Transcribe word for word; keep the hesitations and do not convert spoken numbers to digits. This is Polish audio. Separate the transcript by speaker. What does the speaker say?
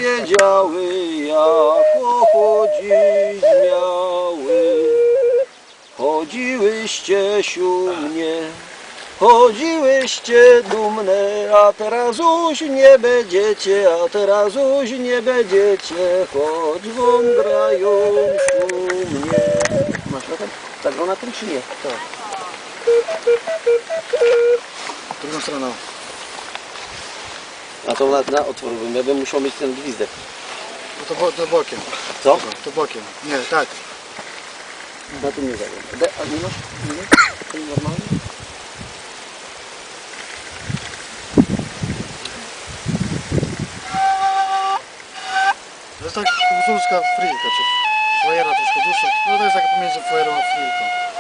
Speaker 1: wiedziały, jako chodzić miały. Chodziłyście siumnie, chodziłyście dumne, a teraz już nie będziecie, a teraz już nie będziecie, choć wam grają szumnie. Masz na tym? Tak, na tym czy nie? Tak.
Speaker 2: Drugą stroną.
Speaker 1: A to na, na otwór bym, ja bym musiał mieć ten gwizdek.
Speaker 2: No to, bo, to bokiem.
Speaker 1: Co?
Speaker 2: To bokiem. Nie, tak.
Speaker 1: Na tym nie zagram. A nie masz? Nie masz? To jest normalne?
Speaker 2: To jest tak guzulska frilka, czy fajera troszkę dłuższa. No to jest taka pomiędzy fajerą a frilką.